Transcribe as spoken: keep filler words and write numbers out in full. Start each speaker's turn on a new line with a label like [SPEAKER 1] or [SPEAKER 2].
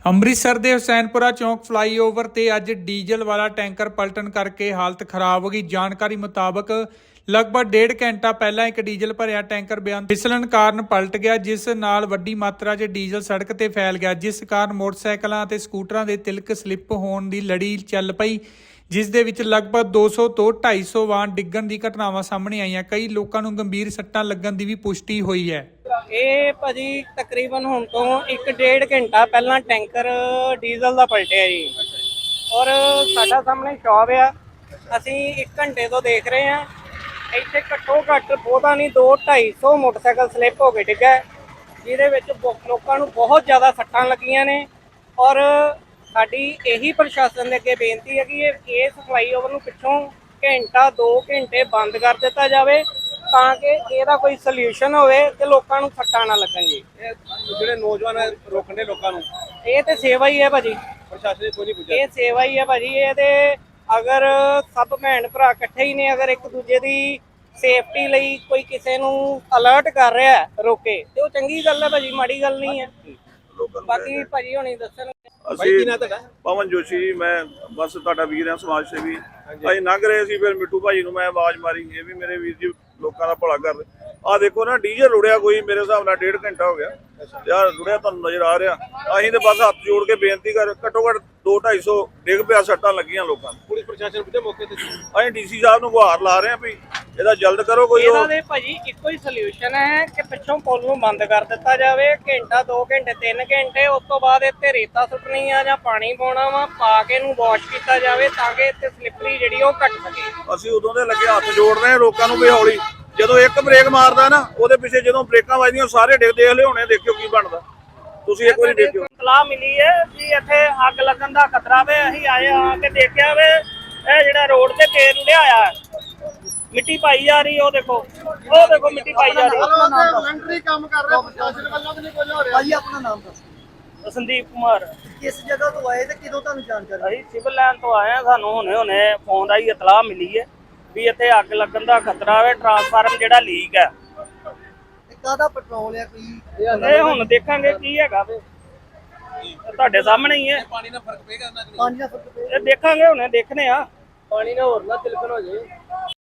[SPEAKER 1] ਅੰਮ੍ਰਿਤਸਰ ਦੇ ਹੁਸੈਨਪੁਰਾ ਚੌਂਕ ਫਲਾਈਓਵਰ ਤੇ ਅੱਜ ਡੀਜ਼ਲ ਵਾਲਾ ਟੈਂਕਰ ਪਲਟਣ ਕਰਕੇ ਹਾਲਤ ਖਰਾਬ ਹੋ ਗਈ। ਜਾਣਕਾਰੀ ਮੁਤਾਬਕ ਲਗਭਗ ਡੇਢ ਘੰਟਾ ਪਹਿਲਾਂ ਇੱਕ ਡੀਜ਼ਲ ਭਰਿਆ ਟੈਂਕਰ ਬਿਆਨ ਫਿਸਲਣ ਕਾਰਨ ਪਲਟ ਗਿਆ, ਜਿਸ ਨਾਲ ਵੱਡੀ ਮਾਤਰਾ 'ਚ ਡੀਜ਼ਲ ਸੜਕ ਤੇ ਫੈਲ ਗਿਆ, ਜਿਸ ਕਾਰਨ ਮੋਟਰਸਾਈਕਲਾਂ ਅਤੇ ਸਕੂਟਰਾਂ ਦੇ ਤਿਲਕ ਸਲਿੱਪ ਹੋਣ ਦੀ ਲੜੀ ਚੱਲ ਪਈ, ਜਿਸ ਦੇ ਵਿੱਚ ਲਗਭਗ ਦੋ ਸੌ ਤੋਂ ਢਾਈ ਸੌ ਵਾਹਨ ਡਿੱਗਣ ਦੀ ਘਟਨਾਵਾਂ ਸਾਹਮਣੇ ਆਈਆਂ। ਕਈ ਲੋਕਾਂ ਨੂੰ ਗੰਭੀਰ ਸੱਟਾਂ ਲੱਗਣ ਦੀ ਵੀ ਪੁਸ਼ਟੀ ਹੋਈ ਹੈ।
[SPEAKER 2] ਇਹ ਭਾਜੀ ਤਕਰੀਬਨ ਹੁਣ ਤੋਂ ਇੱਕ ਡੇਢ ਘੰਟਾ ਪਹਿਲਾਂ ਟੈਂਕਰ ਡੀਜ਼ਲ ਦਾ ਪਲਟਿਆ ਜੀ। ਔਰ ਸਾਡਾ ਸਾਹਮਣੇ ਸ਼ੌਪ ਆ, ਅਸੀਂ ਇੱਕ ਘੰਟੇ ਤੋਂ ਦੇਖ ਰਹੇ ਹਾਂ। ਇੱਥੇ ਘੱਟੋ ਘੱਟ ਬਹੁਤਾ ਨਹੀਂ ਦੋ ਢਾਈ ਸੌ ਮੋਟਰਸਾਈਕਲ ਸਲਿੱਪ ਹੋ ਕੇ ਡਿੱਗਾ, ਜਿਹਦੇ ਵਿੱਚ ਲੋਕਾਂ ਨੂੰ ਬਹੁਤ ਜ਼ਿਆਦਾ ਸੱਟਾਂ ਲੱਗੀਆਂ ਨੇ। ਔਰ ਸਾਡੀ ਇਹੀ ਪ੍ਰਸ਼ਾਸਨ ਦੇ ਅੱਗੇ ਬੇਨਤੀ ਹੈ ਕਿ ਇਹ ਇਸ ਫਲਾਈਓਵਰ ਨੂੰ ਪਿੱਛੋਂ ਘੰਟਾ ਦੋ ਘੰਟੇ ਬੰਦ ਕਰ ਦਿੱਤਾ ਜਾਵੇ, ਤਾਂ ਕਿ ਇਹਦਾ ਕੋਈ ਸੋਲੂਸ਼ਨ ਹੋਵੇ ਤੇ ਲੋਕਾਂ ਨੂੰ ਸੱਟਾਂ ਨਾ ਲੱਗਣ ਜੀ।
[SPEAKER 3] ਇਹ ਜਿਹੜੇ ਨੌਜਵਾਨ ਰੋਕਣ ਦੇ ਲੋਕਾਂ ਨੂੰ,
[SPEAKER 2] ਇਹ ਤੇ ਸੇਵਾ ਹੀ ਹੈ ਭਾਜੀ,
[SPEAKER 3] ਪ੍ਰਸ਼ਾਸਨ ਨੇ ਕੋਈ ਨਹੀਂ ਪੁੱਛਿਆ।
[SPEAKER 2] ਇਹ ਸੇਵਾ ਹੀ ਹੈ ਭਾਜੀ। ਇਹ ਤੇ ਅਗਰ ਸਭ ਭੈਣ ਭਰਾ ਇਕੱਠੇ ਹੀ ਨੇ, ਅਗਰ ਇੱਕ ਦੂਜੇ ਦੀ ਸੇਫਟੀ ਲਈ ਕੋਈ ਕਿਸੇ ਨੂੰ ਅਲਰਟ ਕਰ ਰਿਹਾ ਹੈ ਰੋਕੇ, ਤੇ ਉਹ ਚੰਗੀ ਗੱਲ ਹੈ ਭਾਜੀ, ਮਾੜੀ ਗੱਲ ਨਹੀਂ ਹੈ। ਬਾਕੀ ਭਾਜੀ ਹੁਣੀ ਦੱਸਣ।
[SPEAKER 3] ਅਸੀਂ ਪਵਨ ਜੋਸ਼ੀ ਜੀ, ਮੈਂ ਬਸ ਤੁਹਾਡਾ ਵੀਰ ਹਾਂ, ਸਮਾਜ ਸੇਵੀ। ਅਸੀਂ ਲੰਘ ਰਹੇ ਸੀ, ਫਿਰ ਮਿੱਟੂ ਭਾਜੀ ਨੂੰ ਮੈਂ ਆਵਾਜ਼ ਮਾਰੀ, ਇਹ ਵੀ ਮੇਰੇ ਵੀਰ ਜੀ ਲੋਕਾਂ ਦਾ ਭਲਾ ਕਰਦੇ। ਆਹ ਦੇਖੋ ਨਾ, ਡੀਜ਼ਲ ਰੁੜਿਆ ਕੋਈ ਮੇਰੇ ਹਿਸਾਬ ਨਾਲ ਡੇਢ ਘੰਟਾ ਹੋ ਗਿਆ ਯਾਰ ਰੁੜਿਆ, ਤੁਹਾਨੂੰ ਨਜ਼ਰ ਆ ਰਿਹਾ। ਅਸੀਂ ਤੇ ਬਸ ਹੱਥ ਜੋੜ ਕੇ ਬੇਨਤੀ ਕਰ, ਘੱਟੋ ਘੱਟ ਦੋ ਢਾਈ ਸੌ ਡਿੱਗ ਪਿਆ, ਸੱਟਾਂ ਲੱਗੀਆਂ ਲੋਕਾਂ ਨੂੰ। ਪੁਲਿਸ ਪ੍ਰਸ਼ਾਸਨ ਪੁੱਛੇ ਮੌਕੇ ਤੇ, ਅਸੀਂ ਡੀਸੀ ਸਾਹਿਬ ਨੂੰ ਗੁਹਾਰ ਲਾ ਰਹੇ ਹਾਂ ਵੀ ਇਹਦਾ ਜਲਦ ਕਰੋ ਕੋਈ।
[SPEAKER 2] ਇਹਦਾ ਦੇ ਭਾਜੀ ਇੱਕੋ ਹੀ ਸੋਲੂਸ਼ਨ ਹੈ ਕਿ ਪਿੱਛੋਂ ਪੁਲ ਨੂੰ ਬੰਦ ਕਰ ਦਿੱਤਾ ਜਾਵੇ, ਘੰਟਾ ਦੋ ਘੰਟੇ ਤਿੰਨ ਘੰਟੇ, ਉਸ ਤੋਂ ਬਾਅਦ ਇੱਥੇ ਰੇਤਾ ਸੁੱਟਣੀ ਆ ਜਾਂ ਪਾਣੀ ਪਾਉਣਾ ਵਾ, ਪਾ ਕੇ ਇਹਨੂੰ ਵਾਸ਼ ਕੀਤਾ ਜਾਵੇ, ਤਾਂ ਕਿ ਇੱਥੇ ਸਲਿੱਪਰੀ ਜਿਹੜੀ ਉਹ ਘੱਟ ਸਕੇ।
[SPEAKER 3] ਅਸੀਂ ਉਦੋਂ ਦੇ ਲੱਗੇ ਹੱਥ ਜੋੜ ਰਹੇ ਹਾਂ ਲੋਕਾਂ ਨੂੰ ਵੀ ਹੌਲੀ, ਜਦੋਂ ਇੱਕ ਬ੍ਰੇਕ ਮਾਰਦਾ ਨਾ, ਉਹਦੇ ਪਿੱਛੇ ਜਦੋਂ ਬ੍ਰੇਕਾਂ ਵੱਜਦੀਆਂ ਸਾਰੇ ਡਿੱਗ ਦੇਖ ਲਿਆਉਣੇ, ਦੇਖਿਓ ਕੀ ਬਣਦਾ। ਤੁਸੀਂ ਇੱਕ ਵਾਰੀ ਦੇਖਿਓ।
[SPEAKER 2] ਇਤਲਾਹ ਮਿਲੀ ਹੈ ਵੀ ਇੱਥੇ ਅੱਗ ਲੱਗਣ ਦਾ ਖਤਰਾ ਵੇ। ਅਸੀਂ ਆਏ ਆ ਕੇ ਦੇਖਿਆ ਵੇ, ਇਹ ਜਿਹੜਾ ਰੋਡ ਤੇ ਤੇਲ ਰੁੜਿਆ ਹੋਇਆ, ਮਿੱਟੀ ਪਾਈ ਜਾ ਰਹੀ, ਉਹ ਦੇਖੋ, ਉਹ ਦੇਖੋ ਮਿੱਟੀ ਪਾਈ ਜਾ ਰਹੀ।
[SPEAKER 4] ਵਲੰਟਰੀ ਕੰਮ ਕਰ ਰਿਹਾ ਪ੍ਰਸ਼ਾਸਨ ਵੱਲੋਂ ਵੀ ਨਹੀਂ ਕੁਝ ਹੋ ਰਿਹਾ। ਭਾਈ ਆਪਣਾ ਨਾਮ ਦੱਸੋ।
[SPEAKER 2] ਸੰਦੀਪ ਕੁਮਾਰ।
[SPEAKER 4] ਕਿਸ ਜਗ੍ਹਾ ਤੋਂ ਆਏ ਤੇ ਕਿਦੋਂ ਤੁਹਾਨੂੰ ਜਾਣਕਾਰੀ?
[SPEAKER 2] ਅਸੀਂ ਸਿਵਲ ਲਾਈਨ ਤੋਂ ਆਏ ਆ, ਸਾਨੂੰ ਹੁਣੇ ਹੁਣੇ ਫੋਨ ਰਾਹੀਂ ਇਤਲਾਹ ਮਿਲੀ ਹੈ ਵੀ ਇੱਥੇ ਅੱਗ ਲੱਗਣ ਦਾ ਖਤਰਾ ਵੇ, ਟਰਾਂਸਫਾਰਮ ਜਿਹੜਾ ਲੀਕ ਹੈ।
[SPEAKER 4] ਕਾਹਦਾ ਪੈਟਰੋਲ ਹੈ ਕੋਈ?
[SPEAKER 2] ਇਹ ਹੁਣ ਦੇਖਾਂਗੇ ਕੀ ਹੈਗਾ ਵੇ, ਤੁਹਾਡੇ ਸਾਹਮਣੇ ਹੀ ਹੈ।
[SPEAKER 3] ਪਾਣੀ ਨਾਲ ਫਰਕ ਪਏਗਾ ਨਾ?
[SPEAKER 4] ਪਾਣੀ ਦਾ ਫਰਕ ਪਿਆ।
[SPEAKER 2] ਇਹ ਦੇਖਾਂਗੇ, ਹੁਣੇ ਦੇਖਨੇ ਆ।
[SPEAKER 4] ਪਾਣੀ ਨਾਲ ਹੋਰ ਨਾ ਤਿਲਕਣ ਹੋ ਜਾਏ।